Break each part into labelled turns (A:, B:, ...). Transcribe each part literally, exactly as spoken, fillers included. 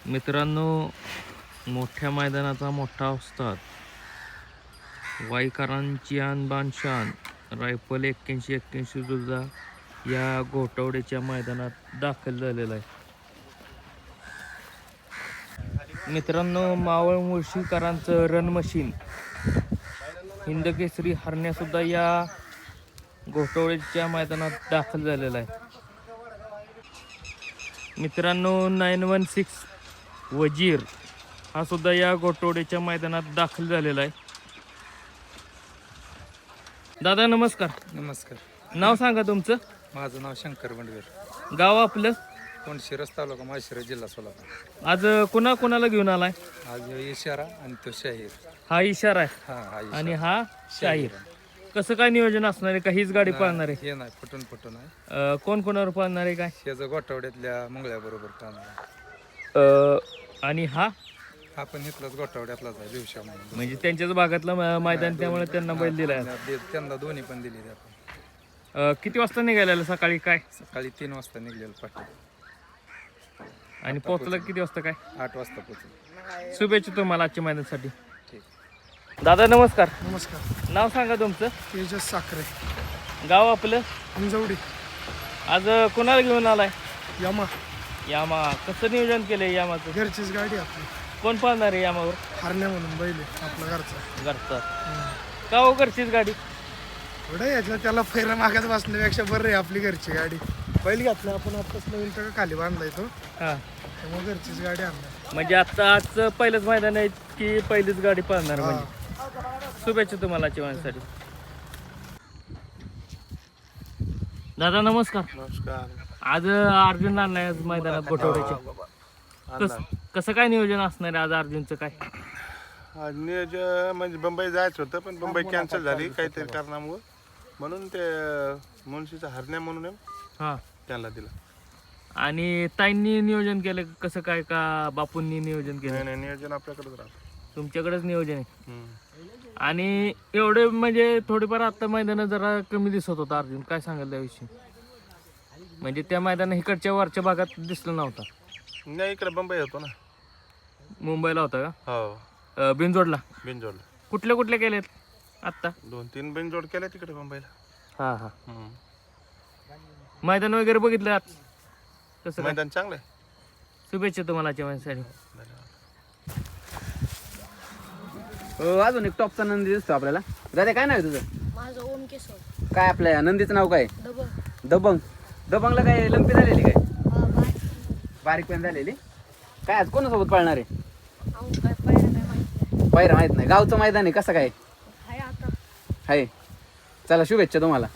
A: मित्रांनो, मोठ्या मैदानाचा मोठा उस्ताद, वाईकरांची आणबान शान रायफल एक्क्याऐंशी एक्क्याऐंशी सुद्धा या घोटवड्याच्या मैदानात दाखल झालेला आहे. मित्रांनो, मावळ मुळशीकरांचं रन मशीन हिंदकेसरी हरण्यासुद्धा या घोटवड्याच्या मैदानात दाखल झालेला आहे. मित्रांनो, नाईन वन सिक्स वजीर हा सुद्धा या घोटवड्याच्या मैदानात दाखल झालेला आहे. दादा नमस्कार.
B: नमस्कार.
A: नाव सांगा तुमचं.
B: माझं नाव शंकर बंडवीर,
A: गाव आपलं.
B: कोंडशिरस तालुका माळशिरस जिल्हा सोलापूर.
A: आज कुणा कुणाला घेऊन आलाय.
B: आज इशारा आणि तो शाहीर.
A: हा इशारा आहे
B: हा हा इशारा.
A: आणि हा शाहीर. कसं काय नियोजन असणार आहे का हीच गाडी पाळणार आहे.
B: हे नाही फुटून फुटून आहे.
A: अं, कोण कोणावर पाळणार आहे काय.
B: शेजा गोठावड्यातल्या मंगळ्याबरोबर पाहणार.
A: अं, आणि हा
B: हा पण इथलाच गोठावड्यातलाच आहे दिवशा म्हणून.
A: म्हणजे त्यांच्याच भागातलं म- मैदान, त्यामुळे त्यांना बैल दिलाय.
B: दे- त्यांना दोन्ही पण दिली आपण.
A: अं, किती वाजता निघालेलं सकाळी काय
B: सकाळी तीन वाजता निघलेलं पाठी.
A: आणि पोहोचलं किती वाजता काय.
B: आठ वाजता पोहोचलो.
A: शुभेच्छा तुम्हाला आजच्या मैदानासाठी.
B: ठीक.
A: दादा नमस्कार.
C: नमस्कार.
A: नाव सांगा तुमचं.
C: तेजस साखरे,
A: गाव आपलं.
C: अंजवडी.
A: आज कोणाला घेऊन आलाय.
C: यमा
A: यामा. कसं नियोजन केलंय यामाचं.
C: घरचीच गाडी आपली.
A: कोण पाळणार आहे यामावर.
C: हरण्या म्हणून बैल आहे आपला घरचा.
A: घरचा का हो. घरचीच गाडी.
C: थोडं याच्या त्याला फैरा मागत बसण्यापेक्षा बरं आहे आपली घरची गाडी. बैल घातला आपण आताच नवीन तर खाली बांधलाय तो,
A: हा
C: त्यामुळे घरचीच गाडी आणणार.
A: म्हणजे आता आजचं पहिलंच मैदान आहे की पहिलीच गाडी पाळणार. म्हणजे शुभेच्छा तुम्हाला आजच्या मैदानासाठी. दादा नमस्कार.
D: नमस्कार.
A: आज अर्जुन आणलाय आज मैदानात गोठवड्याचे. कस कसं काय नियोजन असणार आहे आज अर्जुनचं काय.
D: आज नियोजन म्हणजे मुंबई जायचं होतं पण मुंबई कॅन्सल झाली काहीतरी कारणामुळं, म्हणून ते मुळशीचा हरण्या म्हणून आहे,
A: हा
D: त्याला दिला.
A: आणि ताईंनी नियोजन केलं कसं काय का बापूंनी नियोजन
D: नाही
A: केलं.
D: नाही नियोजन आपल्याकडेच राहतं.
A: तुमच्याकडेच नियोजन आहे.
D: हम्म.
A: आणि एवढे म्हणजे थोडीफार आता मैदानात जरा कमी दिसत होता अर्जुन. काय सांगाल त्याविषयी. म्हणजे त्या मैदानात इकडच्या वरच्या भागात दिसलं नव्हता.
D: नाही इकडे मुंबई होतो ना.
A: मुंबईला होता का.
D: हो
A: अं, बिनजोडला.
D: बिनजोड
A: कुठल्या कुठल्या केलेत आत्ता.
D: दोन तीन बिनजोड केल्या तिकडे मुंबईला.
A: हा हा
D: हम्म.
A: मैदान वगैरे बघितलं आज कसं काय.
D: मैदान चांगलं आहे.
A: शुभेच्छा तुम्हाला आजच्या मैदानासाठी.
E: हो, अजून एक टॉपचा नंदी दिसतो आपल्याला. दादा काय नाव आहे तुझं.
F: माझं ओम केशव.
E: काय आपल्या नंदीचं नाव काय.
F: डबल.
E: दबंग. दबंगला काय लंपी झालेली काय.
F: हा, बाय.
E: बारीक पेन झालेली. काय आज कोणासोबत पाळणार आहे.
F: अहो, काय पाहिलं नाही माहिती नाही.
E: पायरा माहित नाही. गावचं मैदान आहे कसं काय.
F: हाय आता.
E: आहे. चला शुभेच्छा तुम्हाला.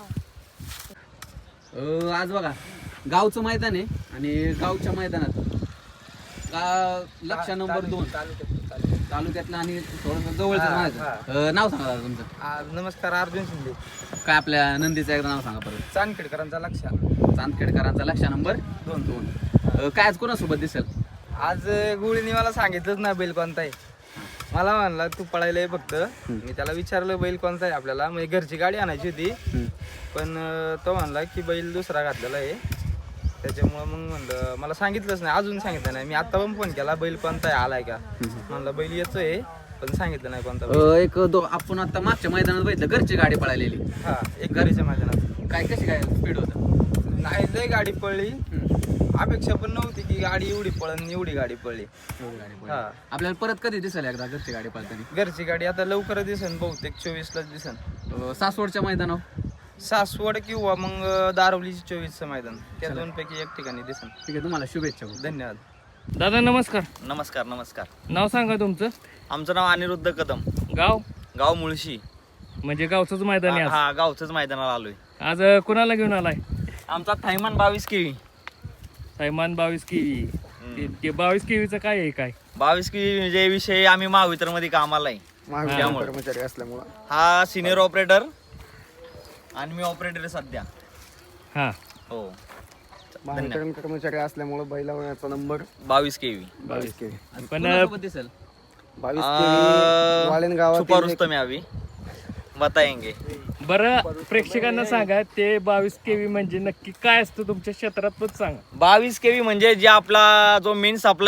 E: अं, आज बघा गावचं मैदान आहे आणि गावच्या मैदानात गा लक्ष नंबर दोन तालुक्यातलं आणि थोडंसं जवळचं म्हणायचं. अं, नाव सांगा दादा तुमचं.
B: नमस्कार. अर्जुन शिंदे.
E: काय आपल्या नंदीचं एकदा नाव सांगा परत.
B: चांदखेडकरांचा लक्ष.
E: चांदखेडकरांचा लक्ष नंबर
B: दोन दोन.
E: अं, काय आज कोणासोबत दिसेल.
B: आज गुळीने मला सांगितलंच ना बैल कोणता आहे. मला म्हणला तू पळायला फक्त. मी त्याला विचारलं बैल कोणता आहे आपल्याला, म्हणजे घरची गाडी आणायची होती. पण अं, तो म्हणला की बैल दुसरा घातलेला आहे, त्याच्यामुळं मग म्हणलं मला सांगितलंच नाही, अजून सांगितलं नाही. मी आता पण फोन केला बैल कोणता आहे आलाय का. म्हणलं बैल येतोय पण सांगितलं नाही कोणता बैल.
E: अं, एक दो आपण आता मागच्या मैदानात बघितलं घरची गाडी पळालेली.
B: हा एक घरीच्या मैदानात.
E: काय कशी काय स्पीड होतं.
B: नाही लय गाडी पळली. अपेक्षा पण नव्हती की गाडी एवढी पळण एवढी गाडी पळली. हा
E: आपल्याला परत कधी दिसेल एकदा घरची गाडी पळताना.
B: घरची गाडी आता लवकर दिसन, बहुतेक चोवीसलाच दिसन.
E: अं, सासवडच्या मैदानावर.
B: सासवड किंवा मग दारवलीची चोवीसचं मैदान, त्या दोन पैकी एक ठिकाणी दिसन.
E: ठीक आहे तुम्हाला शुभेच्छा.
B: धन्यवाद.
A: दादा नमस्कार.
G: नमस्कार नमस्कार.
A: नाव सांगा तुमचं.
G: आमचं नाव अनिरुद्ध कदम.
A: गाव.
G: गाव मुळशी.
A: म्हणजे गावचंच मैदान आहे आज.
G: हा गावचंच मैदानाला आलोय.
A: आज कुणाला घेऊन आलाय.
G: आमचा थैमान बावीस केवी.
A: सैमान बावीस केवी. ते- ते बावीस केवीचं काय आहे काय.
G: बावीस केवी म्हणजे विषय आम्ही महावितर मध्ये कामाला आहे. त्यामुळे
C: कर्मचारी असल्यामुळं
G: हा सिनियर ऑपरेटर आणि मी ऑपरेटर सध्या.
A: हा
G: हो.
C: महावितरण कर्मचारी असल्यामुळे बैलाचा नंबर
G: बावीस केवी.
C: बावीस केवी.
A: पण
E: कोणासोबत दिसेल.
C: बावीस केवी वालेन गावात
G: सुपर रुस्तम यावी बताएंगे.
A: बरं प्रेक्षकांना सांगा ते बावीस केवी म्हणजे नक्की काय असतं तुमच्या क्षेत्रात पण सांगा.
G: बावीस केवी म्हणजे जे आपला जो मेन सप्लाय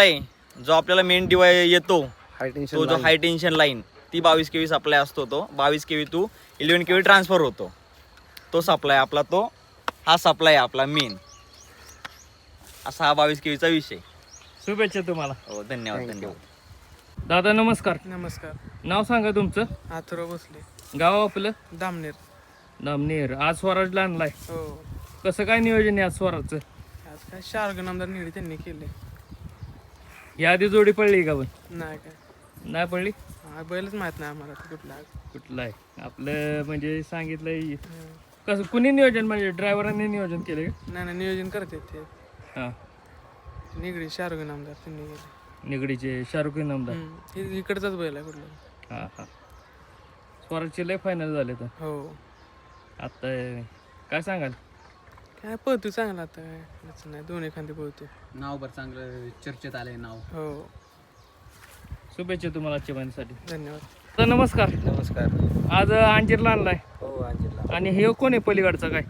G: जो आपल्याला मेन डिवाय येतो
B: हाय
G: तो
B: टेन्शन
G: जो हाय टेन्शन लाईन ती बावीस केवी सप्लाय असतो, तो बावीस KV two eleven KV transfer होतो. तो सप्लाय आपला तो हा सप्लाय आपला मेन असा हा बावीस केवीचा विषय.
A: शुभेच्छा तुम्हाला.
G: हो धन्यवाद धन्यवाद.
A: दादा नमस्कार.
C: नमस्कार.
A: नाव सांगा तुमचं.
C: आथुरा भोसले,
A: गाव आपलं
C: दामनेर.
A: नामनेर. आज स्वराजला आणलाय,
C: हो.
A: कसं काय नियोजन आहे आज स्वराजचं?
C: आज काय शार्गन आमदार निळी त्यांनी केले.
A: या आधी जोडी पडली का पण?
C: नाही काय
A: नाही पडली.
C: हा, बैलच माहित नाही आम्हाला तो कुठला आहे.
A: कुठलं आहे आपलं म्हणजे सांगितलंय कसं कुणी नियोजन म्हणजे ड्रायव्हरांनी नियोजन केलं का?
C: नाही नाही नियोजन करते ते
A: हां
C: निगडी शार्गन आमदार त्यांनी केले.
A: निगडीचे शाहरुख खान आमदार.
C: हम्म. हे इकडचाच बैल आहे कुठला.
A: हां हां स्वराजचे लय फायनल झाले तर
C: हो.
A: आता काय सांगाल?
C: काय पळतो चांगला आता काय त्याचं नाही दोन्ही खांदे पळतो.
E: नाव बरं चांगलं चर्चेत आलंय नाव.
C: हो.
A: शुभेच्छा तुम्हाला आजच्या महिन्यासाठी.
C: धन्यवाद.
A: तर नमस्कार.
B: नमस्कार.
A: आज अंजीरला आणलाय
B: हो अंजितला.
A: आणि हे कोण आहे पलीकडचा काय?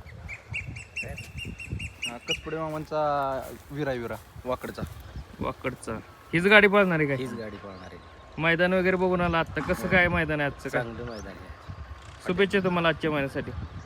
G: कसपुडे मामांचा विरा विरा वाकडचा
A: वाकडचा. हीच गाडी पळणार आहे काय?
B: हीच गाडी पळणार आहे.
A: मैदान वगैरे बघून आला आता कसं काय मैदान आहे आजचं काय?
B: चांगलं मैदान आहे.
A: शुभेच्छा तुम्हाला आजच्या महिन्यासाठी.